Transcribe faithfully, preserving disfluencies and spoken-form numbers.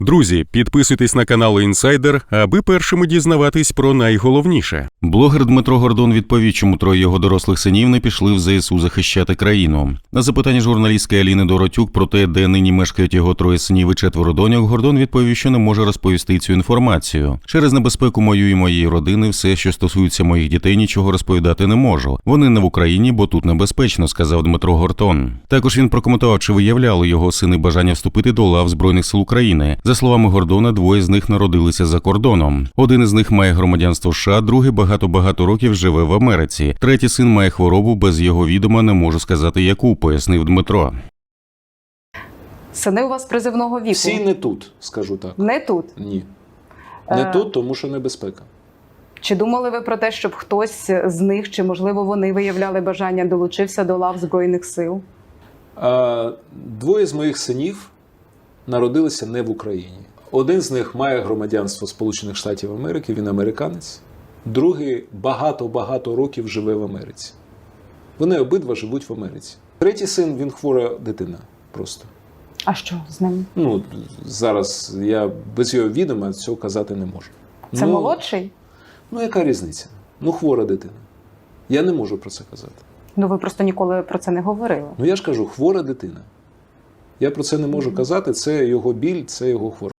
Друзі, підписуйтесь на канал Інсайдер, аби першими дізнаватись про найголовніше. Блогер Дмитро Гордон відповів, чому троє його дорослих синів не пішли в зе ес у захищати країну. На запитання журналістки Аліни Доротюк про те, де нині мешкають його троє синів і четверо доньок, Гордон відповів, що не може розповісти цю інформацію. Через небезпеку мою і моєї родини все, що стосується моїх дітей, нічого розповідати не можу. Вони не в Україні, бо тут небезпечно, сказав Дмитро Гордон. Також він прокоментував, чи виявляли його сини бажання вступити до лав Збройних сил України. За словами Гордона, двоє з них народилися за кордоном. Один із них має громадянство США, другий багато-багато років живе в Америці. Третій син має хворобу, без його відома не можу сказати яку, пояснив Дмитро. Сини у вас призивного віку? Всі не тут, скажу так. Не тут? Ні. Не Е... тут, тому що небезпека. Чи думали ви про те, щоб хтось з них, чи можливо вони виявляли бажання, долучився до лав Збройних сил? А, двоє з моїх синів народилися не в Україні. Один з них має громадянство Сполучених Штатів Америки, він американець. Другий багато-багато років живе в Америці. Вони обидва живуть в Америці. Третій син, він хвора дитина просто. А що з ним? Ну, зараз я без його відома цього казати не можу. Це ну, молодший? Ну, яка різниця? Ну, хвора дитина. Я не можу про це казати. Ну, ви просто ніколи про це не говорили. Ну, я ж кажу, хвора дитина. Я про це не можу казати, це його біль, це його хвороба.